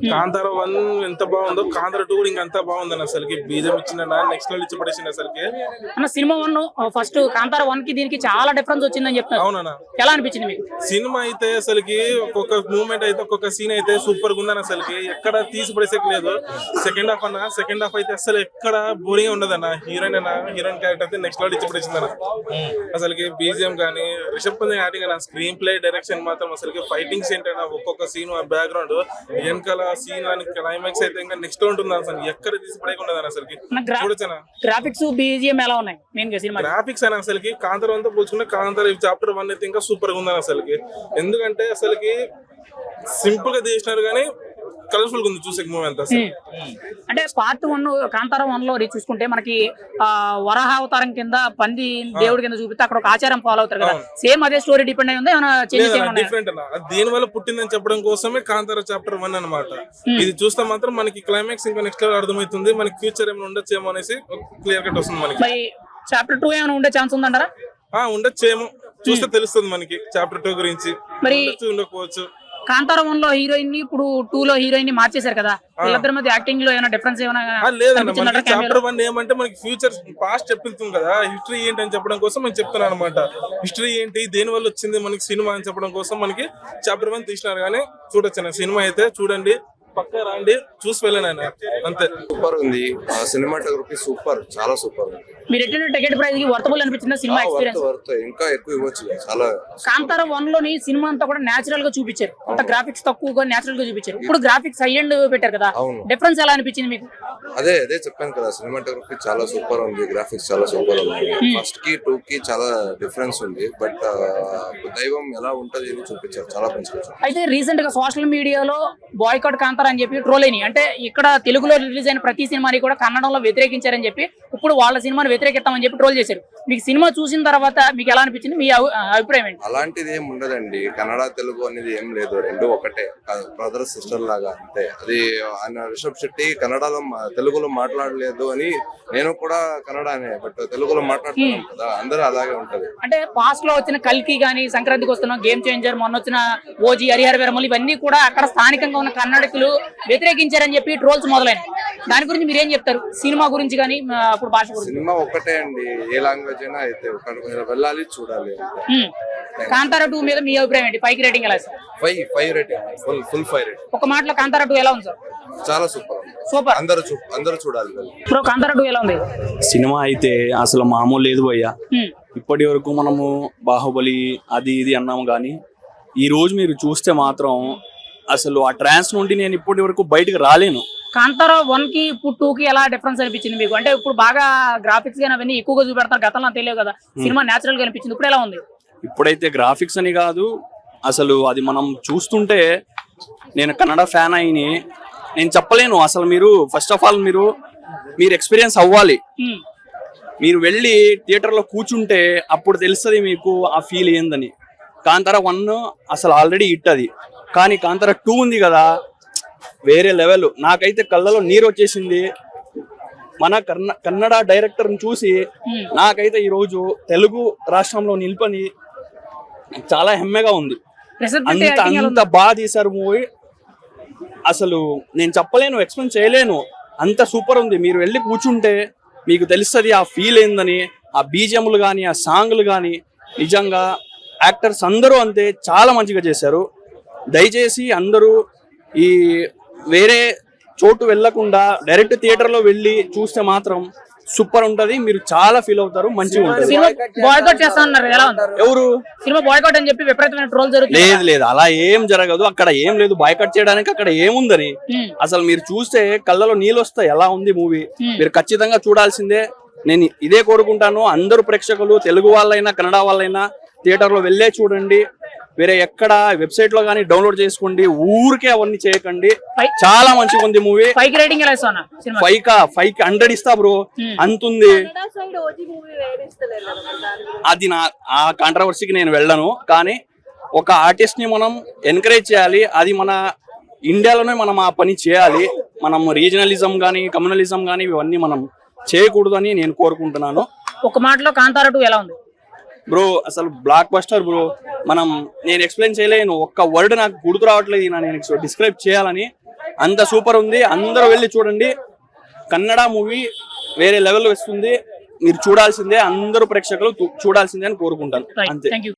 కాంతార 1 ఎంత బాగుందో కాంతార 2 కూడా ఇంకా అంత బాగుందని అసలుకి బీజం ఇచ్చిన నెక్స్ట్ లెవెల్ ఇచ్చి పడేసింది అసలుకి. అన్న సినిమా 1 ఫస్ట్ కాంతార 1 కి దీనికి చాలా డిఫరెన్స్ వచ్చిందని చెప్తున్నారు. అవునా, ఎలా అనిపించింది మీకు? సినిమా అయితే అసలుకి ఒక్కొక్క మూమెంట్ అయితే ఒక్కొక్క సీన్ అయితే సూపర్ గా ఉందని అసలుకి ఎక్కడ తీసి పడేసేకి లేదు. సెకండ్ హాఫ్ అయితే అసలు ఎక్కడ బోరింగ్ గా ఉండదన్న. హీరోయిన్ క్యారెక్టర్ అయితే నెక్స్ట్ లెవెల్ ఇచ్చి పడేసింది అన్న. అసలుకి బీజిఎం కానీ రిషబ్ పంత్ యాక్టింగ్ అన్న, స్క్రీన్ ప్లే డైరెక్షన్ మాత్రం అసలుకి ఫైటింగ్స్ ఏంటన్నా ఒక్కొక్క సీన్ బ్యాక్గ్రౌండ్ వెనకాల సీన్ అని క్లైమాక్స్ అయితే ఇంకా నెక్స్ట్ ఉంటుంది అసలు ఎక్కడ తీసి పడేయకుండా అసలుకి చూడొచ్చనా. గ్రాఫిక్స్ బీజిఎం ఎలా ఉన్నాయి మెయిన్ గా సినిమా? గ్రాఫిక్స్ అని అసలుకి కాంతార అంతా పోల్చుకుంటే కాంతార చాప్టర్ 1 అయితే ఇంకా సూపర్ గా ఉందని అసలుకి. ఎందుకంటే అసలుకి సింపుల్ గా తీసినారు కానీ కలర్ఫుల్ గా ఉంది చూసే మూవీ అంతా. అంటే పార్ట్ 1 కాంతార 1 లో చూసుకుంటే మనకి వరాహ అవతారం కింద పంది దేవుడి కింద చూపిస్తే అక్కడ ఒక ఆచారం ఫాలో అవుతారు కదా, సేమ్ అదే స్టోరీ డిపెండ్ అయి ఉంది ఏమైనా చేంజెస్ ఏమైనా? డిఫరెంట్ అన్న, దీని వల్ల పుట్టిందని చెప్పడం కోసమే కాంతార చాప్టర్ 1 అన్నమాట. ఇది చూస్తే మాత్రం మనకి క్లైమాక్స్ ఇంకా నెక్స్ట్ లెవెల్ అర్థమవుతుంది, మనకి ఫ్యూచర్ ఏమైనా ఉండొచ్చేమో అనేసి క్లియర్ కట్ వస్తుంది మనకి. చాప్టర్ 2 ఏమైనా ఉండే ఛాన్స్ ఉందంటారా? ఉండొచ్చేమో, చూస్తే తెలుస్తుంది మనకి చాప్టర్ 2 గురించి. మరి ఉండకపోవచ్చు. కాంతార 1 లో హీరోయిన్ ని ఇప్పుడు 2 లో హీరోయిన్ ని మార్చేశారు కదా, వీళ్ళిద్దరి మధ్య యాక్టింగ్ లో ఏమైనా డిఫరెన్స్ ఏమైనా? లేదన్న, చాప్టర్ 1 ఏమంటే మనకి ఫ్యూచర్ పాస్ట్ చెప్తుంది కదా, హిస్టరీ ఏంటి అని చెప్పడం కోసం మనం చెప్తున్నాను అనమాట. హిస్టరీ ఏంటి, దేని వల్ల వచ్చింది మనకి సినిమా అని చెప్పడం కోసం మనకి చాప్టర్ 1 తీసినారు. కానీ చూడొచ్చు సినిమా అయితే, చూడండి, పక్కా రండి, చూసి వెళ్ళాను అంతే. సూపర్ ఉంది, సినిమాటోగ్రఫీ సూపర్, చాలా సూపర్ ఉంది. మీరు ఎట్లా టికెట్ ప్రైస్ కి వర్తబుల్ అనిపించింది సినిమా ఎక్స్పీరియన్స్? ఇంకా ఎక్కువ ఇవ్వచ్చు చాలా. కాంతార 1 లోని సినిమా అంతా కూడా నేచురల్ గా చూపించారు, అంత గ్రాఫిక్స్ తక్కువగా నేచురల్ గా చూపించారు. ఇప్పుడు గ్రాఫిక్స్ హై ఎండ్ పెట్టారు కదా, డిఫరెన్స్ ఎలా అనిపించింది మీకు? అదే చెప్పాను కదా, సినిమాటోగ్రఫీ చాలా సూపర్ ఉంది, గ్రాఫిక్స్ చాలా సూపర్ ఉంది. ఫస్ట్ కి 2 కి చాలా డిఫరెన్స్ ఉంది, బట్ దైవం ఎలా ఉంటది అని చూపించారు, చాలా మంచిగా. అయితే రీసెంట్ గా సోషల్ మీడియాలో బాయ్కాట్ కాంతార అని చెప్పి ట్రోల్ అయినాయి. అంటే ఇక్కడ తెలుగులో రిలీజ్ అయిన ప్రతి సినిమాని కూడా కన్నడంలో వ్యతిరేకించారని చెప్పి ఇప్పుడు వాళ్ళ సినిమాని వ్యతిరేకిస్తామని చెప్పి ట్రోల్ చేశారు. మీకు సినిమా చూసిన తర్వాత మీకు ఎలా అనిపించింది, మీ అభిప్రాయం ఏంటి? అలాంటిది ఏం ఉండదండి, కన్నడ తెలుగు అనేది ఏం లేదు, రెండు ఒకటే, బ్రదర్ సిస్టర్ లాగా అంతే. అది ఆయన రిషబ్ శెట్టి కన్నడలో తెలుగులో మాట్లాడలేదు అని, నేను కూడా కన్నడనే, బట్ తెలుగులో మాట్లాడుతున్నాం కదా, అందరూ అలాగే ఉంటది. అంటే పాస్ట్ లో వచ్చిన కల్కి గానీ, సంక్రాంతికి వస్తున్న గేమ్ చేంజర్, మొన్న వచ్చిన ఓజీ, హరిహర వీరమల్లు, ఇవన్నీ కూడా అక్కడ స్థానికంగా ఉన్న కన్నడికులు వ్యతిరేకించారని చెప్పి ట్రోల్స్ మొదలైనవి. దాని గురించి మీరు ఏం చెప్తారు, సినిమా గురించి కానీ అప్పుడు భాష గురించి? సినిమా ఒకటే అండి, ఏ లాంగ్వేజ్ అయినా అయితే వెళ్ళాలి, చూడాలి. కాంతార 2 మీద మీ అభిప్రాయం ఏంటి? 5 రేటింగ్ ఎలా? 5 రేటింగ్, ఫుల్ 5 రేటింగ్. ఒక మాటలో కాంతార 2 ఎలా ఉంది సార్? చాలా సూపర్, అందరూ చూడాలి. బ్రో కాంతార 2 ఎలా ఉంది? సినిమా అయితే అసలు మామూలు లేదు భయ్యా. ఇప్పటి వరకు మనము బాహుబలి అది ఇది అన్నాము కానీ ఈ రోజు మీరు చూస్తే మాత్రం అసలు ఆ ట్రాన్స్ నుండి నేను ఇప్పటి వరకు బయటకు రాలేను. కాంతార 1 కి ఇప్పుడు 2 కి ఎలా డిఫరెన్స్ అనిపించింది మీకు? అంటే ఇప్పుడు బాగా గ్రాఫిక్స్ గానీ అవన్నీ ఎక్కువగా చూపెడతారు, గతంలో తెలియదు కదా, సినిమా నేచురల్ గా అనిపించింది, ఇప్పుడు ఎలా ఉంది? ఇప్పుడైతే గ్రాఫిక్స్ అని కాదు, అసలు అది మనం చూస్తుంటే నేను కన్నడ ఫ్యాన్ అయిని నేను చెప్పలేను. అసలు మీరు ఫస్ట్ ఆఫ్ ఆల్ మీరు ఎక్స్పీరియన్స్ అవ్వాలి, మీరు వెళ్ళి థియేటర్లో కూర్చుంటే అప్పుడు తెలుస్తుంది మీకు ఆ ఫీల్ ఏందని. కాంతార 1 అసలు ఆల్రెడీ హిట్ అది, కానీ కాంతార 2 ఉంది కదా, వేరే లెవెల్. నాకైతే కళ్ళలో నీరు వచ్చేసింది మన కన్నడ డైరెక్టర్ని చూసి. నాకైతే ఈరోజు తెలుగు రాష్ట్రంలో నిలిపని చాలా హెమ్మెగా ఉంది. అంత బాగా తీశారు మూవీ, అసలు నేను చెప్పలేను, ఎక్స్ప్లెయిన్ చేయలేను, అంత సూపర్ ఉంది. మీరు వెళ్ళి కూర్చుంటే మీకు తెలుస్తుంది ఆ ఫీల్ ఏందని. ఆ బీజిఎంలు కానీ, ఆ సాంగ్లు కానీ, నిజంగా యాక్టర్స్ అందరూ అంతే చాలా మంచిగా చేశారు. దయచేసి అందరూ ఈ వేరే చోటు వెళ్ళకుండా డైరెక్ట్ థియేటర్లో వెళ్ళి చూస్తే మాత్రం సూపర్ ఉంటది, మీరు చాలా ఫీల్ అవుతారు, మంచిగా ఉంటుంది. బాయ్కాట్ చేస్తా అన్నారు, ఎలా ఉంది? ఎవరు సినిమా బాయ్కాట్ అని చెప్పి విపరీతమైన ట్రోల్ జరుగుతుంది? లేదు, అలా ఏం జరగదు, అక్కడ ఏం లేదు బాయ్కాట్ చేయడానికి. అక్కడ ఏముందని అసలు మీరు చూస్తే కళ్ళలో నీళ్ళు వస్తాయి, ఎలా ఉంది మూవీ. మీరు ఖచ్చితంగా చూడాల్సిందే. నేను ఇదే కోరుకుంటాను, అందరూ ప్రేక్షకులు, తెలుగు వాళ్ళైనా కన్నడ వాళ్ళైనా థియేటర్లో వెళ్ళే చూడండి. వేరే ఎక్కడ వెబ్సైట్ లో కానీ డౌన్లోడ్ చేసుకోండి, ఊరికే అవన్నీ చేయకండి. చాలా మంచిగా ఉంది మూవీ. 5 రేటింగ్ ఎలా ఇస్తాను? 5కి 100 ఇస్తా బ్రో, అంతుంది. అది ఆ కాంట్రవర్సీకి నేను వెళ్ళను, కానీ ఒక ఆర్టిస్ట్ ని మనం ఎంకరేజ్ చేయాలి. అది మన ఇండియాలోనే మనం ఆ పని చేయాలి. మనం రీజనలిజం కానీ కమ్యూనలిజం కానీ ఇవన్నీ మనం చేయకూడదు అని నేను కోరుకుంటున్నాను. ఒక మాటలో కాంతార 2 ఎలా ఉంది బ్రో? అసలు బ్లాక్ బస్టర్ బ్రో. నేను ఎక్స్ప్లెయిన్ చేయలేను, ఒక్క వర్డ్ నాకు గుర్తు రావట్లేదు నేను డిస్క్రైబ్ చేయాలని. అంత సూపర్ ఉంది, అందరూ వెళ్ళి చూడండి. కన్నడ మూవీ వేరే లెవెల్ వస్తుంది, మీరు చూడాల్సిందే, అందరూ ప్రేక్షకులు చూడాల్సిందే అని కోరుకుంటాను. అంతే. Thank you.